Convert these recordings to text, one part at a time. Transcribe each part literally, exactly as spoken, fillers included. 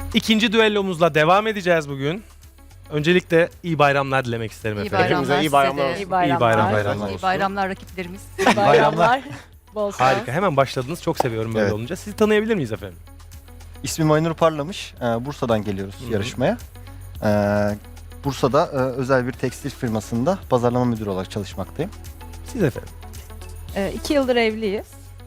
İkinci düellomuzla devam edeceğiz bugün. Öncelikle iyi bayramlar dilemek isterim İyi efendim. bayramlar, iyi bayramlar size de. olsun. İyi bayramlar. İyi bayram- bayramlar İyi olsun. bayramlar rakiplerimiz. Bayramlar. Bol şans. Harika. Hemen başladınız. Çok seviyorum böyle Evet. olunca. Sizi tanıyabilir miyiz efendim? İsmim Aynur Parlamış. Ee, Bursa'dan geliyoruz Hı hı. yarışmaya. Ee, Bursa'da e, özel bir tekstil firmasında pazarlama müdürü olarak çalışmaktayım. Siz efendim. Ee, iki yıldır evliyiz.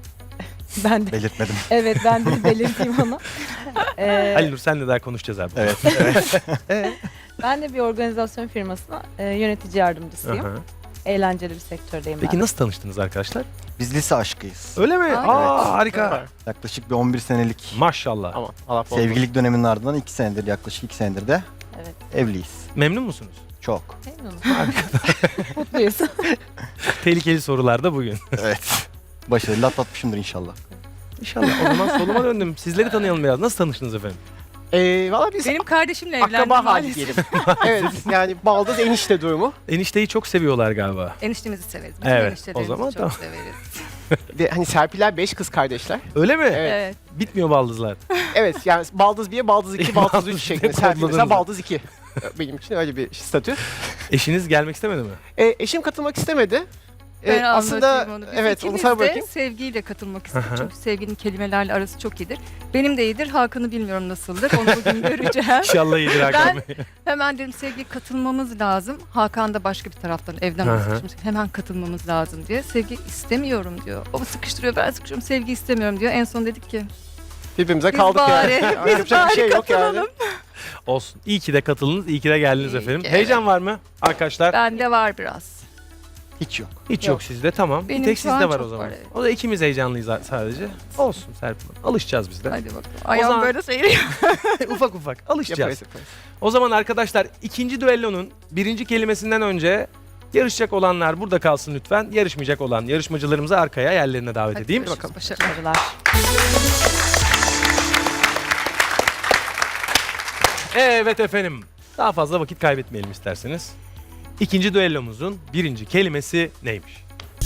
Ben de. Belirtmedim. Evet, ben de belirteyim onu. Ee, Ali Nur senle daha konuşacağız abi. Evet. evet. Ee? ben de bir organizasyon firmasına e, yönetici yardımcısıyım. Aha. Eğlenceli bir sektördeyim Peki ben. nasıl tanıştınız arkadaşlar? Biz lise aşkıyız. Öyle mi? Aa, Aa, evet. harika. Yaklaşık bir on bir senelik Maşallah. Aman Allah bol sevgililik döneminin ardından iki senedir, yaklaşık iki senedir de Evet. evliyiz. Memnun musunuz? Çok. Memnunum. Mutluyuz. Tehlikeli sorular da bugün. Evet. Başarılı atlatmışımdır inşallah. İnşallah. O zaman soluma döndüm. Sizleri tanıyalım biraz. Nasıl tanıştınız efendim? Ee, Valla biz Benim kardeşimle evlendim akraba hali maalesef. diyelim. Evet yani baldız enişte durumu. Enişteyi çok seviyorlar galiba. Eniştemizi severiz. Bütün Evet, eniştelerimizi o zaman çok tamam. severiz. Ve hani Serpiler beş kız kardeşler. Öyle mi? Evet. Evet. Bitmiyor baldızlar. Evet yani baldız bir, baldız iki, baldız Baldız üç bir şeklinde. Serpil kodladınız mesela mı? baldız iki. Benim için öyle bir statü. Eşiniz gelmek istemedi mi? Ee, eşim katılmak istemedi. Ee, Ben aslında anlatayım onu. Biz evet onu ikimiz sana de bırakayım. sevgiyle katılmak istedik. Aha. Çünkü sevginin kelimelerle arası çok iyidir. Benim de iyidir. Hakan'ı bilmiyorum nasıldır. Onu bugün göreceğim. İnşallah iyidir Hakan Bey. Hemen dedim Sevgi katılmamız lazım. Hakan da başka bir taraftan evden Hı hı. sıkışmış. Hemen katılmamız lazım diye. Sevgi istemiyorum diyor. O sıkıştırıyor, ben sıkışıyorum. Sevgi istemiyorum diyor. En son dedik ki Birbirimize biz kaldık bari, yani. biz Yapacak bari bir şey yok yani. katılalım. Olsun. İyi ki de katıldınız, iyi ki de geldiniz İyi efendim. ki, Heyecan var mı arkadaşlar? Bende var biraz. Hiç yok. Hiç yok, Yok. sizde, tamam. Benim bir tek şu an sizde var çok o zaman. var, evet. O da ikimiz heyecanlıyız a- sadece. Olsun Serpil Hanım. Alışacağız biz de. Hadi bakalım. Ayağım zaman- böyle seyiriyor. ufak ufak alışacağız. Yaparız yaparız. O zaman arkadaşlar ikinci düellonun birinci kelimesinden önce yarışacak olanlar burada kalsın lütfen. Yarışmayacak olan yarışmacılarımızı arkaya yerlerine davet Hadi edeyim. görüşürüz, başarılar. Başarılar. Evet efendim. Daha fazla vakit kaybetmeyelim isterseniz. İkinci düellomuzun birinci kelimesi neymiş?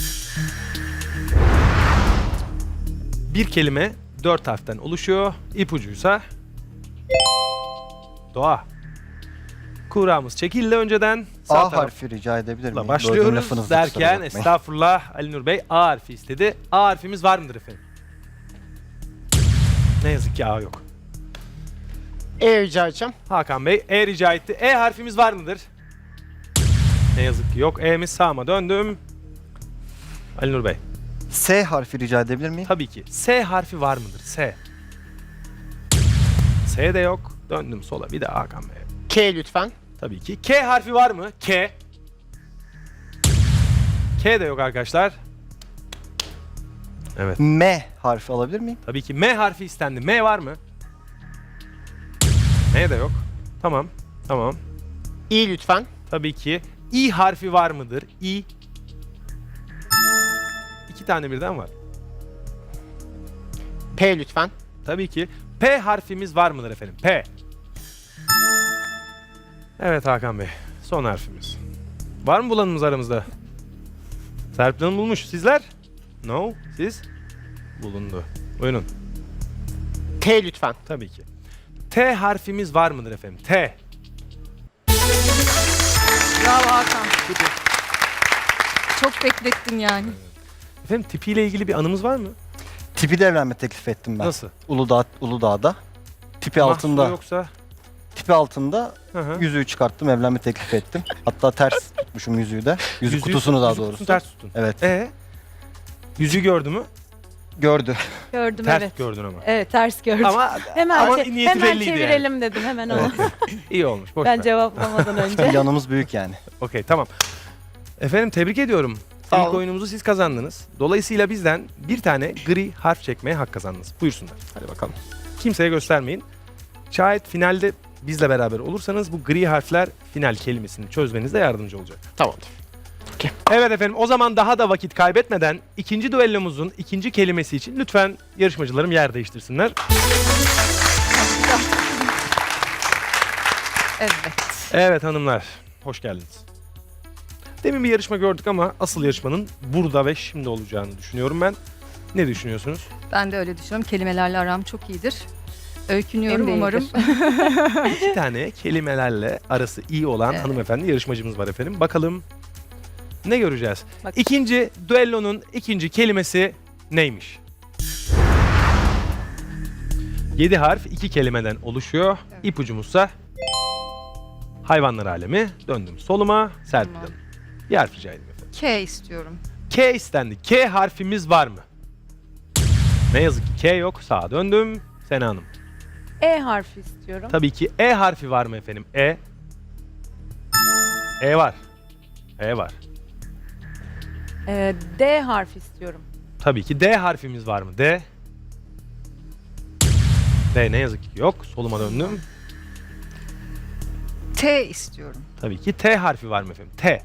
Bir kelime dört harften oluşuyor. İpucuysa doğa. Kuramız çekildi önceden. Sağ A taraf- harfi rica edebilir miyim? Böldüm Başlıyoruz lafınızı, kusura derken bakmayın. estağfurullah Ali Nur Bey A harfi istedi. A harfimiz var mıdır efendim? Ne yazık ki A yok. E rica edeceğim. Hakan Bey E rica etti. E harfimiz var mıdır? Ne yazık ki yok. E'miz sağıma döndüm. Ali Nur Bey. S harfi rica edebilir miyim? Tabii ki. S harfi var mıdır? S. S de yok. Döndüm sola. Bir de Hakan Bey. K lütfen. Tabii ki. K harfi var mı? K. K de yok arkadaşlar. Evet. M harfi alabilir miyim? Tabii ki M harfi istendi. M var mı? M de yok. Tamam. Tamam. İ lütfen. Tabii ki. İ harfi var mıdır? İ. İki tane birden var. P lütfen. Tabii ki. P harfimiz var mıdır efendim? P. Evet Hakan Bey. Son harfimiz. Var mı bulanımız aramızda? Serpil Hanım bulmuş. Sizler? No. Siz? Bulundu. Buyurun. T lütfen. Tabii ki. T harfimiz var mıdır efendim? T. Bravo Hakan. Çok beklettin yani. Efendim tipiyle ilgili bir anımız var mı? Tipi de evlenme teklif ettim ben. Nasıl? Uludağ, Uludağ'da. Tipi Mahsuru altında. yoksa? Tipi altında Hı hı. yüzüğü çıkarttım, evlenme teklif ettim. Hatta ters tutmuşum yüzüğü de. Yüzük Yüzüğü- kutusunu daha yüzük doğrusu. kutusunu ters tutun. Evet. E Yüzüğü gördü mü? Gördü. Gördüm, Ters evet. gördün ama. Evet, ters gördüm. Ama hemen ama çe- niyeti hemen belliydi yani. çevirelim dedim, hemen onu. iyi olmuş. Boş Ben ver. cevaplamadan önce. Yanımız büyük yani. Okey tamam. Efendim tebrik ediyorum. Sağ İlk olun. oyunumuzu siz kazandınız. Dolayısıyla bizden bir tane gri harf çekmeye hak kazandınız. Buyursunlar. Hadi bakalım. Kimseye göstermeyin. Şayet finalde bizle beraber olursanız bu gri harfler final kelimesini çözmenizde yardımcı olacak. Tamamdır. Evet efendim o zaman daha da vakit kaybetmeden ikinci düellomuzun ikinci kelimesi için lütfen yarışmacılarım yer değiştirsinler. Evet. Evet hanımlar, hoş geldiniz. Demin bir yarışma gördük ama asıl yarışmanın burada ve şimdi olacağını düşünüyorum ben. Ne düşünüyorsunuz? Ben de öyle düşünüyorum. Kelimelerle aram çok iyidir. Öykünüyorum Benim umarım. değildir. İki tane kelimelerle arası iyi olan Evet. hanımefendi yarışmacımız var efendim. Bakalım ne göreceğiz? Bak- İkinci düellonun ikinci kelimesi neymiş? Yedi harf iki kelimeden oluşuyor. Evet. İpucumuzsa hayvanlar alemi. Döndüm soluma. Serpil Tamam. Hanım. Bir harf rica edeyim efendim. K istiyorum. K istendi. K harfimiz var mı? Ne yazık ki K yok. Sağa döndüm. Sena Hanım. E harfi istiyorum. Tabii ki E harfi var mı efendim? E. E var. E var. Ee, D harfi istiyorum. Tabii ki D harfimiz var mı? D. D ne yazık ki yok. Soluma döndüm. T istiyorum. Tabii ki T harfi var mı efendim? T.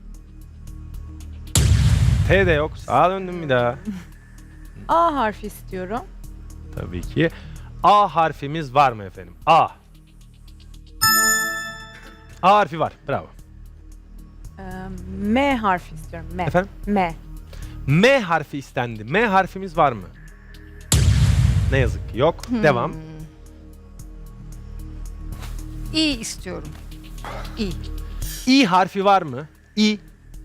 T de yok. Sağa döndüm bir daha. A harfi istiyorum. Tabii ki. A harfimiz var mı efendim? A. A harfi var. Bravo. Ee, M harfi istiyorum. M. Efendim? M. M harfi istendi. M harfimiz var mı? Ne yazık ki yok. Hmm. Devam. İ istiyorum. İ. İ harfi var mı? İ.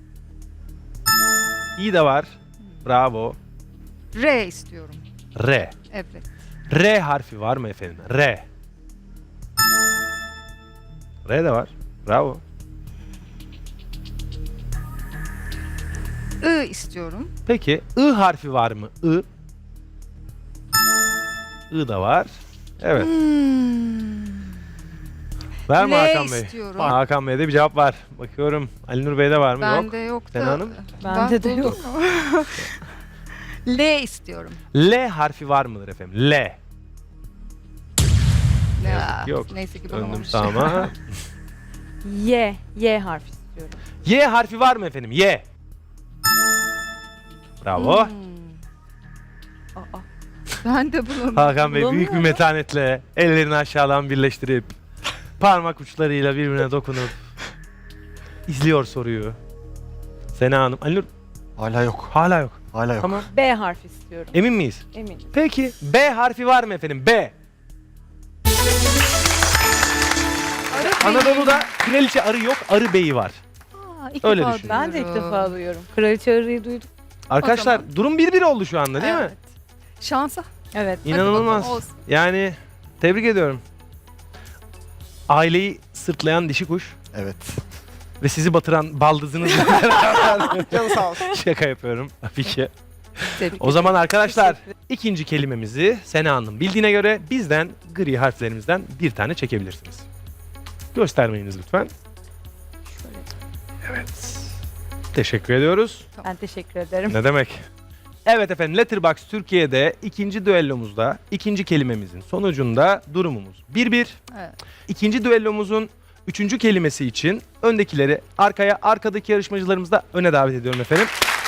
İ de var. Bravo. R istiyorum. R. Evet. R harfi var mı efendim? R. R de var. Bravo. I istiyorum. Peki I harfi var mı? I. I da var. Evet. Hmm. Var mı L Hakan Bey? istiyorum. Hakan Bey'de bir cevap var. Bakıyorum. Ali Nur Bey'de var mı? Yok. Bende yok da. Sena Hanım? Bende de buldum yok. mu? L istiyorum. L harfi var mıdır efendim? L. Ne yazık Ya, ki yok. Neyse ki Döndüm bulamamış. sağıma. Y. Y harfi istiyorum. Y harfi var mı efendim? Y. Bravo. Hmm. Aa. Ben de bulamadım. Hakan Bey büyük bir Bulamıyorum. metanetle ellerini aşağıdan birleştirip parmak uçlarıyla birbirine dokunup izliyor soruyu. Sena Hanım. Ali Nur Hala yok. hala yok. Hala yok. Tamam. B harfi istiyorum. Emin miyiz? Eminim. Peki B harfi var mı efendim? B. Anadolu'da kraliçe arı yok, arı beyi var. Aa, ilk Öyle defa düşün. Ben de ilk duyuyorum. defa duyuyorum. Kraliçe arıyı duydum. Arkadaşlar zaman- durum bir bir oldu şu anda değil mi? Evet. Şansa. Evet. Hadi İnanılmaz. bakalım, olsun. Yani tebrik ediyorum. Aileyi sırtlayan dişi kuş Evet. ve sizi batıran baldızınızla beraber Canı sağ olsun. şaka yapıyorum tabii ki. Tebrik O zaman arkadaşlar Teşekkür ikinci kelimemizi Sena Hanım bildiğine göre bizden gri harflerimizden bir tane çekebilirsiniz. Göstermeyiniz lütfen. Evet. Teşekkür ediyoruz. Ben teşekkür ederim. Ne demek? Evet efendim Letterboxd Türkiye'de ikinci düellomuzda ikinci kelimemizin sonucunda durumumuz bir bir. Evet. İkinci düellomuzun üçüncü kelimesi için öndekileri arkaya, arkadaki yarışmacılarımızı da öne davet ediyorum efendim.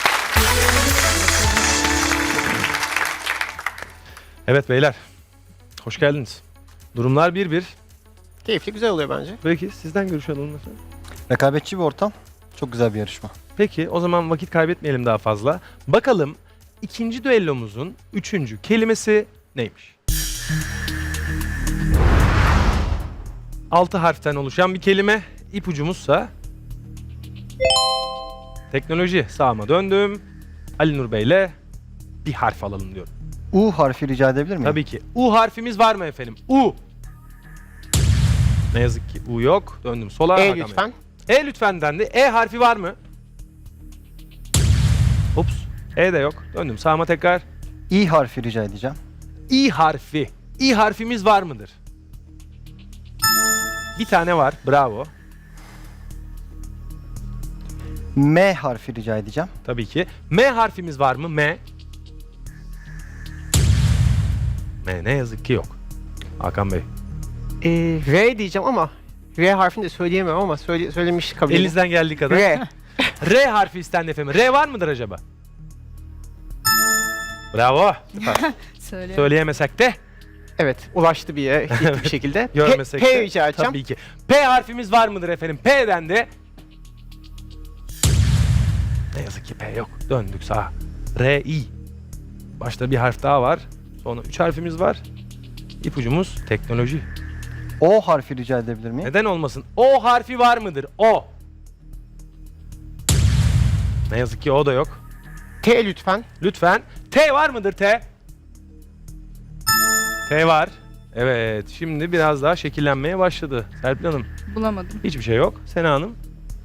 Evet beyler, hoş geldiniz. Durumlar bir bir. Keyifli, güzel oluyor bence. Peki sizden görüş alalım efendim. Rekabetçi bir ortam. Çok güzel bir yarışma. Peki o zaman vakit kaybetmeyelim daha fazla. Bakalım ikinci düellomuzun üçüncü kelimesi neymiş? Altı harften oluşan bir kelime. İpucumuzsa teknoloji. Sağıma döndüm. Ali Nur Bey'le bir harf alalım diyorum. U harfi rica edebilir miyim? Tabii ki. U harfimiz var mı efendim? U. Ne yazık ki U yok. Döndüm sola. E Hakan Bey. lütfen. E lütfen dendi. E harfi var mı? Ups. E de yok. Döndüm sağıma tekrar. İ harfi rica edeceğim. İ harfi. İ harfimiz var mıdır? Bir tane var. Bravo. M harfi rica edeceğim. Tabii ki. M harfimiz var mı? M. M ne yazık ki yok. Hakan Bey. Ee, R diyeceğim ama R harfini de söyleyemem ama söyle, söylemiş kabul edin. Elinizden geldiği kadar. R. R harfi istendi efendim. R var mıdır acaba? Bravo. Söyle. Söyleyemesek de Evet, ulaştı bir yere gitti bir şekilde. görmesek P, P de. rica edeceğim. Tabii ki. P harfimiz var mıdır efendim? P dendi. Ne yazık ki P yok. Döndük sağa. R, I. Başta bir harf daha var. Sonra üç harfimiz var. İpucumuz teknoloji. O harfi rica edebilir miyim? Neden olmasın? O harfi var mıdır? O. Ne yazık ki o da yok. T lütfen. Lütfen. T var mıdır T? T var. Evet. Şimdi biraz daha şekillenmeye başladı. Serpil Hanım. Bulamadım. Hiçbir şey yok. Sena Hanım.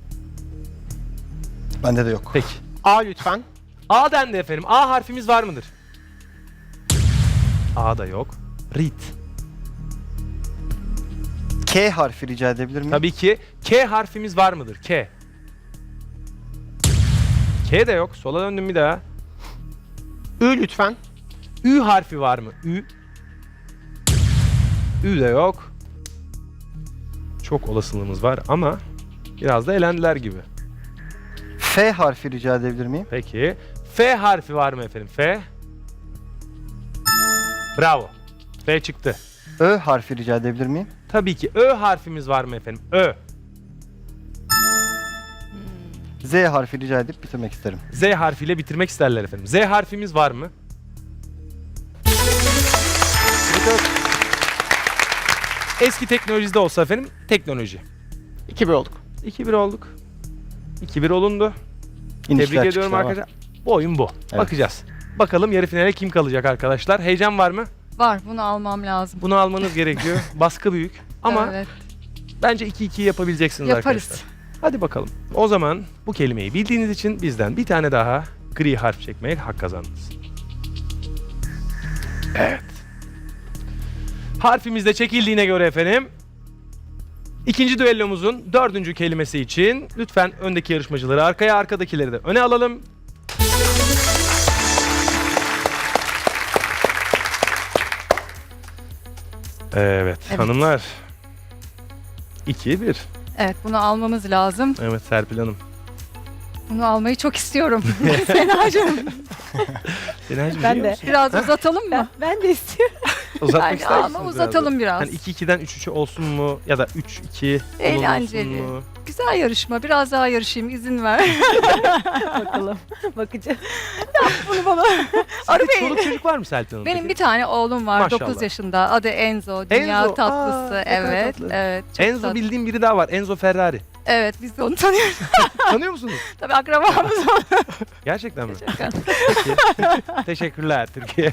Bende de yok. Peki. A lütfen. A dendi efendim. A harfimiz var mıdır? A da yok. Read. K harfi rica edebilir miyim? Tabii ki. K harfimiz var mıdır? K. K de yok. Sola döndüm bir daha. Ü lütfen. Ü harfi var mı? Ü. Ü de yok. Çok olasılığımız var ama biraz da elendiler gibi. F harfi rica edebilir miyim? Peki. F harfi var mı efendim? F. Bravo. F çıktı. Ö harfi rica edebilir miyim? Tabii ki. Ö harfimiz var mı efendim? Ö. Z harfi rica edip bitirmek isterim. Z harfiyle bitirmek isterler efendim. Z harfimiz var mı? Eski teknolojide olsa efendim teknoloji. iki bir olduk. iki bir olduk. iki bir olundu. İnişler, Tebrik ediyorum çıkışlar var. arkadaşlar. Bu oyun bu. Evet. Bakacağız. Bakalım yarı finale kim kalacak arkadaşlar. Heyecan var mı? Var, bunu almam lazım. Bunu almanız gerekiyor. Baskı büyük. Ama Evet, bence iki iki yapabileceksiniz yaparız. arkadaşlar. Hadi bakalım. O zaman bu kelimeyi bildiğiniz için bizden bir tane daha gri harf çekmeye hak kazandınız. Evet. Harfimiz de çekildiğine göre efendim ikinci düellomuzun dördüncü kelimesi için lütfen öndeki yarışmacıları arkaya, arkadakileri de öne alalım. Evet, Evet. hanımlar. iki bir. Evet, bunu almamız lazım. Evet Serpil Hanım. Bunu almayı çok istiyorum. Senacığım. Senacığım Ben biliyor de. musun? Biraz uzatalım mı? Ben, ben de istiyorum. Uzatmak Yani ister ama misiniz uzatalım biraz. Hani iki ikiden üç üçe olsun mu ya da üç iki Eğlenceli. olsun mu? Güzel yarışma. Biraz daha yarışayım. İzin ver. Bakalım. Bakacağız. Bunu bana. Arı Sizde Bey. çoluk çocuk var mı Serpil Hanım? Benim peki? bir tane oğlum var. Maşallah. dokuz yaşında. Adı Enzo. Dünya Enzo, tatlısı. aa, ne kadar evet. tatlı. Evet. Çok Enzo tatlı. bildiğim biri daha var. Enzo Ferrari. Evet, biz de onu tanıyoruz. Tanıyor musunuz? Tabii akrabamız var. Gerçekten mi? Şaka. Peki. Teşekkürler Türkiye.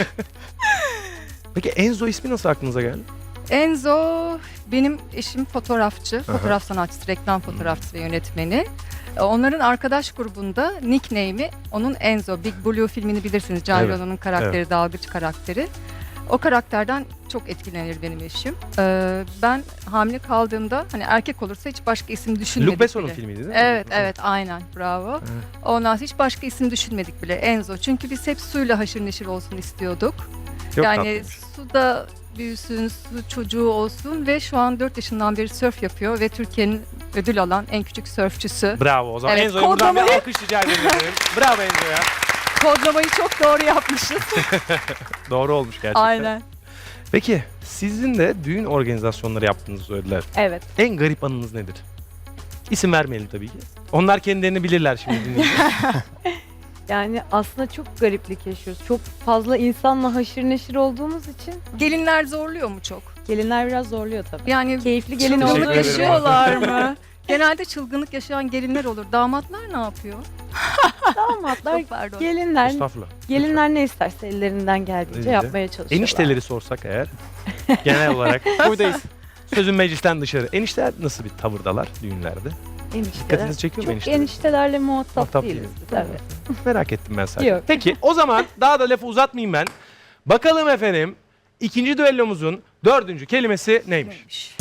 Peki Enzo ismi nasıl aklınıza geldi? Enzo benim eşim fotoğrafçı, fotoğraf sanatçısı, reklam fotoğrafçısı ve yönetmeni. E, Onların arkadaş grubunda nickname'i onun Enzo. Big Blue filmini bilirsiniz. Can Evet, Reno'nun karakteri, dalgıç karakteri. O karakterden çok etkilenir benim eşim. Ee, ben hamile kaldığımda hani erkek olursa hiç başka isim düşünmedik Luc Besson'un bile. filmiydi değil mi? Evet, evet, aynen. Bravo. Evet. Ondan sonra hiç başka isim düşünmedik bile. Enzo. Çünkü biz hep suyla haşır neşir olsun istiyorduk. Çok yani tatlıymış. suda büyüsün, su çocuğu olsun ve şu an dört yaşından beri sörf yapıyor ve Türkiye'nin ödül alan en küçük sörfçüsü. Bravo o zaman. Evet, Enzo'ya buradan bir kodlamayı- alkış rica ederim. Bravo Enzo'ya. Kodlamayı çok doğru yapmışız. Doğru olmuş gerçekten. Aynen. Peki sizin de düğün organizasyonları yaptığınızı söylediler. Evet. En garip anınız nedir? İsim vermeyelim tabii ki. Onlar kendilerini bilirler şimdi dinleyiciler. Yani aslında çok gariplik yaşıyoruz. Çok fazla insanla haşır neşir olduğumuz için Gelinler zorluyor mu çok? gelinler biraz zorluyor tabii. Yani Keyifli gelin Teşekkür çılgınlık olduğu ederim. için yaşıyorlar mı? Genelde çılgınlık yaşayan gelinler olur. Damatlar ne yapıyor? damatlar, Çok pardon. gelinler, Estağfurullah. gelinler ne isterse ellerinden geldiğince Neyse. yapmaya çalışıyorlar. Enişteleri sorsak eğer genel olarak buradayız. Sözün meclisten dışarı. Enişteler nasıl bir tavırdalar düğünlerde? Enişteler. Dikkatinizi çekiyor mu Çok enişteler? eniştelerle muhatap, Muhatap değiliz değiliz. biz. Evet. Merak ettim ben sadece. Yok. Peki o zaman daha da lafı uzatmayayım ben. Bakalım efendim ikinci düellomuzun dördüncü kelimesi neymiş? Neymiş?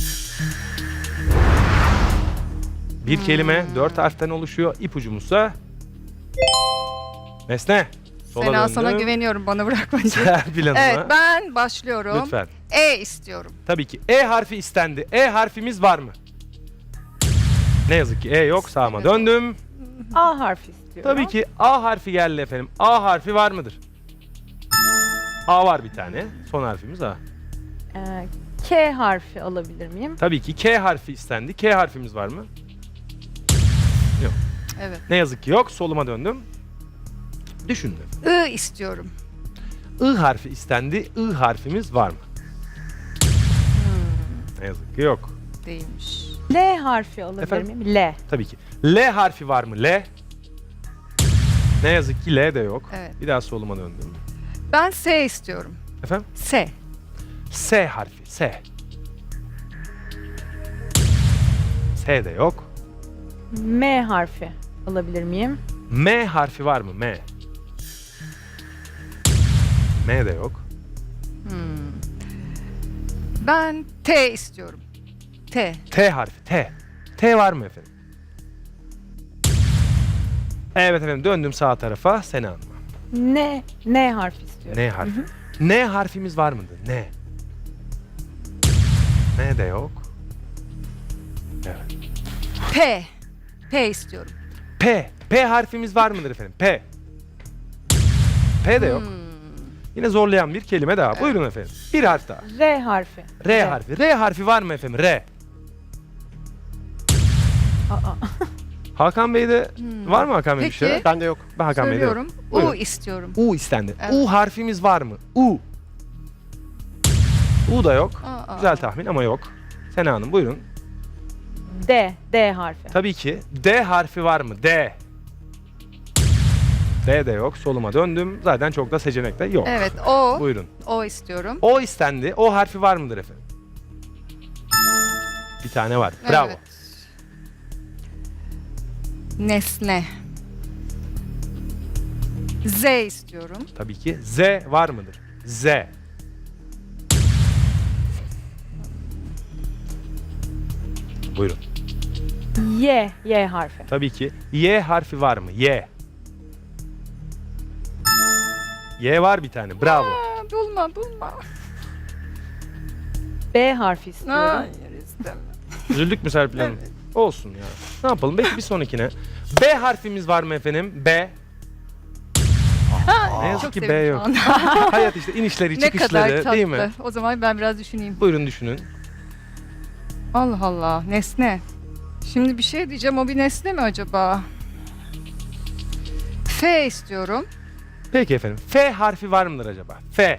Bir kelime dört harften oluşuyor. İpucumuzsa Nesne. Sola Sena döndüm. sana güveniyorum, bana bırakma. Serpil Hanım'a. Evet, ben başlıyorum. Lütfen. E istiyorum. Tabii ki E harfi istendi. E harfimiz var mı? Ne yazık ki E yok. Sağıma Evet. döndüm. A harfi istiyorum. Tabii ki A harfi geldi efendim. A harfi var mıdır? A var bir tane. Son harfimiz A. Ee, K harfi alabilir miyim? Tabii ki K harfi istendi. K harfimiz var mı? Evet. Ne yazık ki yok. Soluma döndüm. Düşündüm. I istiyorum. I harfi istendi. I harfimiz var mı? Ne yazık ki yok. Değilmiş. L harfi alabilir Efendim? miyim? L. Tabii ki. L harfi var mı? L. Ne yazık ki L de yok. Evet. Bir daha soluma döndüm. Ben S istiyorum. Efendim? S. S harfi. S. S de yok. M harfi alabilir miyim? M harfi var mı? M. M de yok. Hmm. Ben T istiyorum. T. T harfi. T. T var mı efendim? Evet efendim, döndüm sağ tarafa. Sena Hanım'a. N. N harfi istiyorum. N harfi. N harfimiz var mıdır? N. N de yok. Evet. P. P istiyorum. P. P harfimiz var mıdır efendim? P. P de yok. Hmm. Yine zorlayan bir kelime daha. Buyurun efendim. Bir harf daha. R harfi. R harfi. R harfi var mı efendim? R. Aa. Hakan Bey'de Hmm. var mı Hakan Bey bir Peki. şeyler? Bende yok. Ben Hakan Bey'de yok. Söylüyorum. U Buyurun. istiyorum. U istendi. Evet. U harfimiz var mı? U. U da yok. Aa, Güzel aa. tahmin ama yok. Sena Hanım buyurun. D. D harfi. Tabii ki. D harfi var mı? D. D de yok. Soluma döndüm. Zaten çok da seçenek de yok. Evet, O. Buyurun. O istiyorum. O istendi. O harfi var mıdır efendim? Bir tane var. Bravo. Evet. Nesne. Z istiyorum. Tabii ki. Z var mıdır? Z. Buyurun. Y. Y harfi. Tabii ki. Y harfi var mı? Y. Y var bir tane. Bravo. Aa, bulma, bulma. B harfi istiyorum. Hayır, istemem. Üzüldük mü Serpil Hanım? Olsun ya. Ne yapalım? Belki bir sonrakine. B harfimiz var mı efendim? B. Ne yazık Çok ki B sevindim yok. şu anda. Hayat işte inişleri Ne kadar çıkışları tatlı. değil mi? O zaman ben biraz düşüneyim. Buyurun düşünün. Allah Allah, nesne. Şimdi bir şey diyeceğim, o bir nesne mi acaba? F istiyorum. Peki efendim. F harfi var mıdır acaba? F.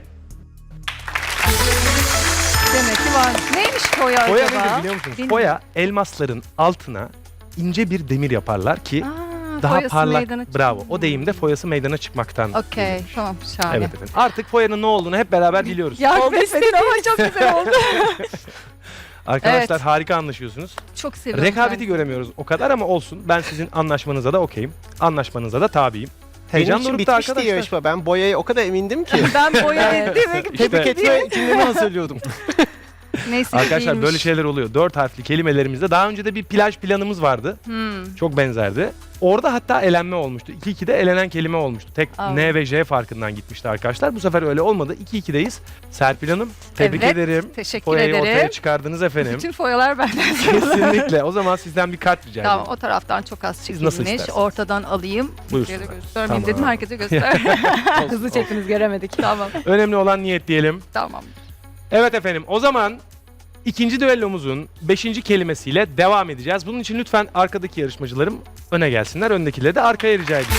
Demek ki var. Neymiş foya, Foya acaba? nedir biliyor musunuz? Bilmiyorum. Foya elmasların altına ince bir demir yaparlar ki Aa, daha foyası parlak. meydana çıkıyor. Bravo. O deyimde foyası meydana çıkmaktan. Okey, gelir. tamam, şahane. Evet efendim. Artık foyanın ne olduğunu hep beraber biliyoruz. Yardım etmedin ama çok güzel oldu. Arkadaşlar Evet. harika anlaşıyorsunuz. Çok seviyorum. Rekabeti ben. göremiyoruz o kadar ama olsun. Ben sizin anlaşmanıza da okeyim. Anlaşmanıza da tabiyim. Benim Heyecan için dorukta bitmişti arkadaşlar. yarışma. Ben boyaya o kadar emindim ki. Ben boya demek İşte- Tebrik etme cümlemi hazırlıyordum. Neyse Arkadaşlar değilmiş. böyle şeyler oluyor. Dört harfli kelimelerimizde daha önce de bir plaj planımız vardı. Hmm. Çok benzerdi. Orada hatta elenme olmuştu. iki ikide elenen kelime olmuştu. Tek Aa. N ve J farkından gitmişti arkadaşlar. Bu sefer öyle olmadı. iki ikideyiz. Serpil Hanım tebrik Evet, ederim. Teşekkür Foyayı ederim. ortaya çıkardınız efendim. Bütün foyalar benden. Kesinlikle. O zaman sizden bir kart rica Tamam, edeyim. o taraftan çok az Siz nasıl çekilmiş. isterseniz. Ortadan alayım. Buyursunlar. Kimseye de göstermeyeyim Tamam. dedim, herkese göster. Hızlı çekiniz göremedik. Tamam, Önemli olan niyet diyelim. tamam. Evet efendim, o zaman ikinci düellomuzun beşinci kelimesiyle devam edeceğiz. Bunun için lütfen arkadaki yarışmacılarım öne gelsinler. Öndekileri de arkaya rica edeyim.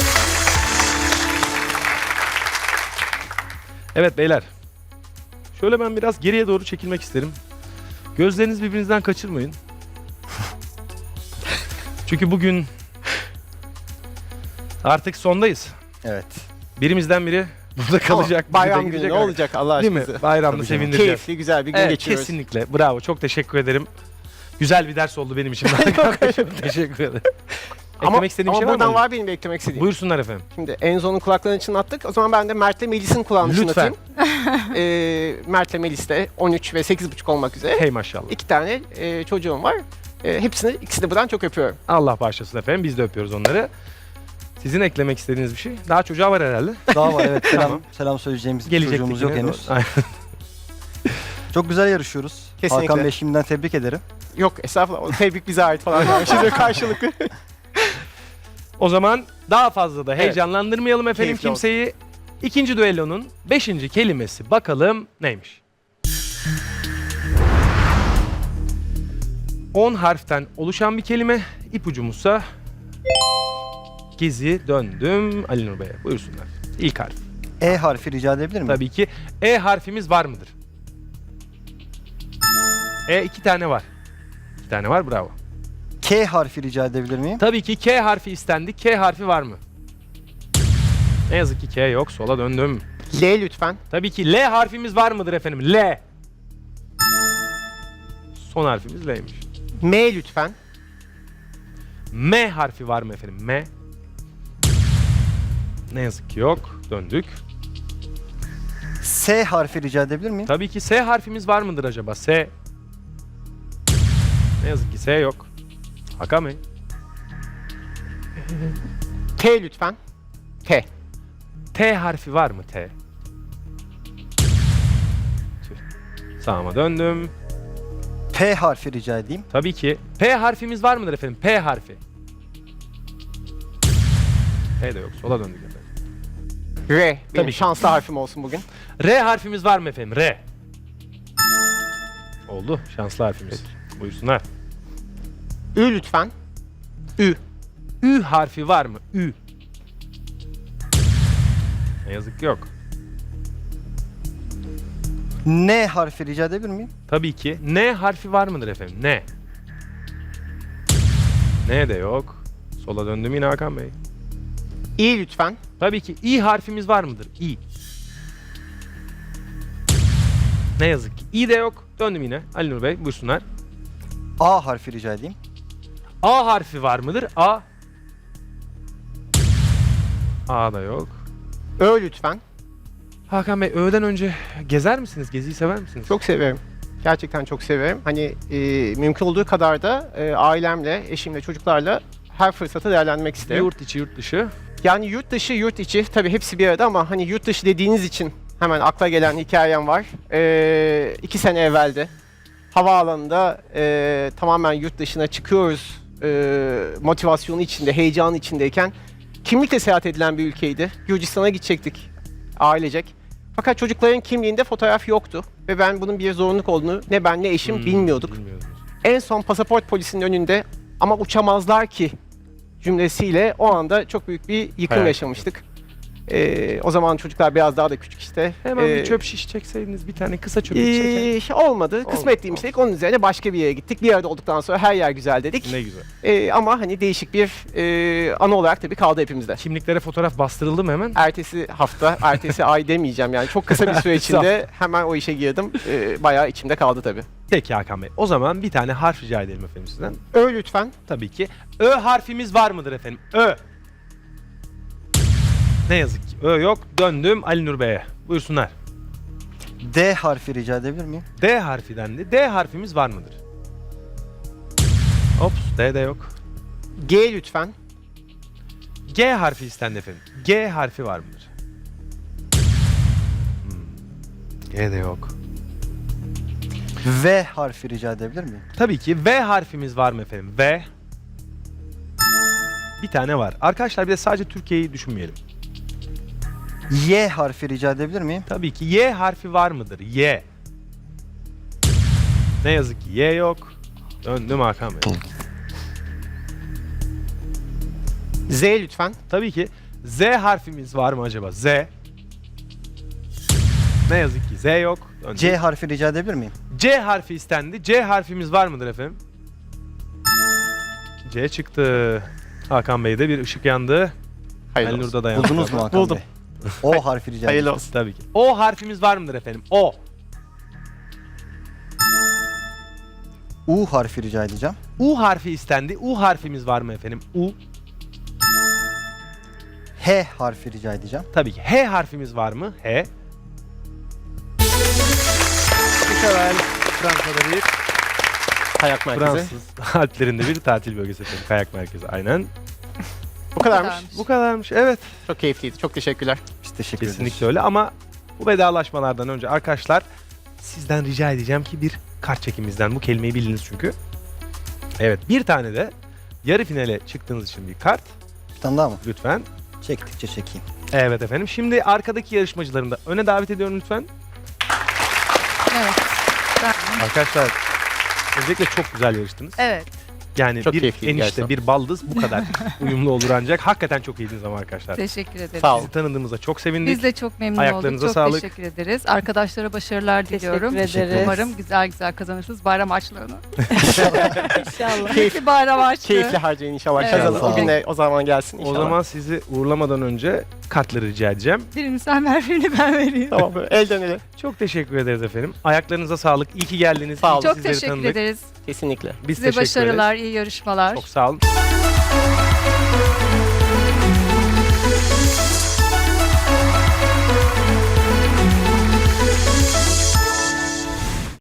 Evet beyler. Şöyle ben biraz geriye doğru çekilmek isterim. Gözlerinizi birbirinizden kaçırmayın. Çünkü bugün artık sondayız. Evet. Birimizden biri burada kalacak. biri de Bayram günü gidecek. ne olacak Allah Değil mi? aşkına? Bayramda Tabii canım. sevindireceğiz. Keyifli güzel bir gün Evet, geçiriyoruz. kesinlikle. Bravo. Çok teşekkür ederim. Güzel bir ders oldu benim için. Çok teşekkür ederim. Ama, Eklemek istediğim ama şey var buradan mı? var benim eklemek istediğim. Buyursunlar efendim. Şimdi Enzo'nun kulaklarını çınlattık. O zaman ben de Mert'le Melis'in kulağını Lütfen. çınlatayım. ee, Mert'le Melis de on üç ve sekiz buçuk olmak üzere. Hey maşallah. İki tane e, çocuğum var. E, hepsini, ikisini de buradan çok öpüyorum. Allah bağışlasın efendim. Biz de öpüyoruz onları. Sizin eklemek istediğiniz bir şey? Daha çocuğa var herhalde. Daha var evet. Selam, Tamam. selam söyleyeceğimiz bir Gelecektik çocuğumuz yok yine. henüz. Aynen. Çok güzel yarışıyoruz. Kesinlikle. Hakan Bey şimdiden tebrik ederim. Yok estağfurullah. O tebrik bize ait falan. Yani şimdi karşılıklı. O zaman daha fazla da Evet. heyecanlandırmayalım efendim Keyifli olsun. kimseyi. İkinci düellonun beşinci kelimesi bakalım neymiş? on harften oluşan bir kelime. İpucumuzsa Gezi döndüm Ali Nur Bey'e. Buyursunlar. İlk harf. E harfi rica edebilir miyim? Tabii ki E harfimiz var mıdır? E iki tane var. İki tane var, bravo. K harfi rica edebilir miyim? Tabii ki K harfi istendi. K harfi var mı? Ne yazık ki K yok. Sola döndüm. L lütfen. Tabii ki L harfimiz var mıdır efendim? L. Son harfimiz L'ymiş. M lütfen. M harfi var mı efendim? M. Ne yazık ki yok. Döndük. S harfi rica edebilir miyim? Tabii ki S harfimiz var mıdır acaba? S. Ne yazık ki S yok. Hakan Bey. T lütfen. T. T harfi var mı? T. Tüh. Sağıma döndüm. P harfi rica edeyim. Tabii ki. P harfimiz var mıdır efendim? P harfi. P de yok. Sola döndük efendim. R. Benim Tabii ki. şanslı harfim olsun bugün. R harfimiz var mı efendim? R. Oldu. Şanslı harfimiz. Buyursunlar. Ü lütfen. Ü. Ü harfi var mı? Ü. Ne yazık ki yok. N harfi rica edebilir miyim? Tabii ki. N harfi var mıdır efendim? N. N de yok. Sola döndüm yine Hakan Bey. İ lütfen. Tabii ki. İ harfimiz var mıdır? İ. Ne yazık ki. İ de yok. Döndüm yine. Ali Nur Bey buyursunlar. A harfi rica edeyim. A harfi var mıdır? A. A da yok. Ö lütfen. Hakan Bey öğleden önce gezer misiniz? Geziyi sever misiniz? Çok severim. Gerçekten çok severim. Hani e, mümkün olduğu kadar da e, ailemle, eşimle, çocuklarla her fırsatı değerlendirmek isterim. Yurt içi, yurt dışı. Yani yurt dışı, yurt içi tabii hepsi bir arada ama hani yurt dışı dediğiniz için hemen akla gelen hikayem var. E, iki sene evveldi. Havaalanında e, tamamen yurt dışına çıkıyoruz e, motivasyonu içinde, heyecanı içindeyken kimlikle seyahat edilen bir ülkeydi. Gürcistan'a gidecektik ailecek. Fakat çocukların kimliğinde fotoğraf yoktu ve ben bunun bir zorunluluk olduğunu ne ben ne eşim Hmm, bilmiyorduk. bilmiyordunuz. En son pasaport polisinin önünde ama uçamazlar ki cümlesiyle o anda çok büyük bir yıkım Hayal yaşamıştık. Ee, o zaman çocuklar biraz daha da küçük işte. Hemen Ee, bir çöp şiş çekseydiniz, bir tane kısa çöp şiş çekelim. ee, olmadı. Kısmetliymiş dedik. Onun üzerine başka bir yere gittik. Bir arada olduktan sonra her yer güzel dedik. Ne güzel. Ee, ama hani değişik bir e, anı olarak tabii kaldı hepimizde. Kimliklere fotoğraf bastırıldı mı hemen? Ertesi hafta, ertesi ay demeyeceğim yani. Çok kısa bir süre içinde hemen o işe girdim. Ee, bayağı içimde kaldı tabii. Peki Hakan Bey. O zaman bir tane harf rica edelim efendim sizden. Ö lütfen. Tabii ki. Ö harfimiz var mıdır efendim? Ö. Ne yazık ki. Ö yok. Döndüm Ali Nur Bey'e. Buyursunlar. D harfi rica edebilir miyim? D harfi dendi. D harfimiz var mıdır? Ops. D de yok. G lütfen. G harfi istendi efendim. G harfi var mıdır? Hmm. G de yok. V harfi rica edebilir miyim? Tabii ki V harfimiz var mı efendim? V. Bir tane var. Arkadaşlar bir de sadece Türkiye'yi düşünmeyelim. Y harfi rica edebilir miyim? Tabii ki Y harfi var mıdır? Y. Ne yazık ki Y yok. Döndüm Hakan Bey. Z lütfen. Tabii ki Z harfimiz var mı acaba? Z. Ne yazık ki Z yok. Döndüm. C harfi rica edebilir miyim? C harfi istendi. C harfimiz var mıdır efendim? C çıktı. Hakan Bey'de bir ışık yandı. Hayırlı Ali olsun. Nur'da da yandı. Buldunuz mu Hakan Buldum. Bey? O harfi rica Hayırlı ederim. olsun. Tabii ki. O harfimiz var mıdır efendim? O. U harfi rica edeceğim. U harfi istendi. U harfimiz var mı efendim? U. H harfi rica edeceğim. Tabii ki. H harfimiz var mı? H. Mükemmel. Fransa'da bir Kayak merkezi. Fransız Alplerinde bir tatil bölgesi efendim. Kayak merkezi. Aynen. Bu kadarmış. kadarmış. Bu kadarmış. Evet. Çok keyifliydi. Çok teşekkürler. Biz teşekkür ederiz. Kesinlikle öyle ama bu vedalaşmalardan önce arkadaşlar sizden rica edeceğim ki bir kart çekimizden bu kelimeyi bildiniz çünkü. Evet, bir tane de yarı finale çıktığınız için bir kart Bir tane daha mı? lütfen. Çektikçe çekeyim. Evet efendim. Şimdi arkadaki yarışmacılarını da öne davet ediyorum lütfen. Evet. Ben- Arkadaşlar özellikle çok güzel yarıştınız. Evet. Yani Çok bir keyifliydi enişte, gerçekten. bir baldız bu kadar uyumlu olur ancak. Hakikaten çok iyiydiniz ama arkadaşlar. Teşekkür ederim. Sağ olun. Sizi tanıdığımızda çok sevindik. Biz de çok memnun Ayaklarınıza olduk. Çok sağlık. teşekkür ederiz. Arkadaşlara başarılar diliyorum. Teşekkür ederiz. Umarım güzel güzel kazanırsınız bayram harçlığını. İnşallah. Keyifli bayram harçlığı. Keyifli harcayın inşallah. Evet. Kazanın. Sağ O olun. güne o zaman gelsin O inşallah. zaman sizi uğurlamadan önce kartları rica edeceğim. Birini sen ver, birini ben vereyim. Tamam böyle elden ele. Çok teşekkür ederiz efendim. Ayaklarınıza sağlık. İyi ki geldiniz. Sağ İyi olun. ki Çok sizleri teşekkür tanıdık. ederiz. Kesinlikle. Biz Size teşekkür ederiz. başarılar, iyi yarışmalar. Çok sağ olun.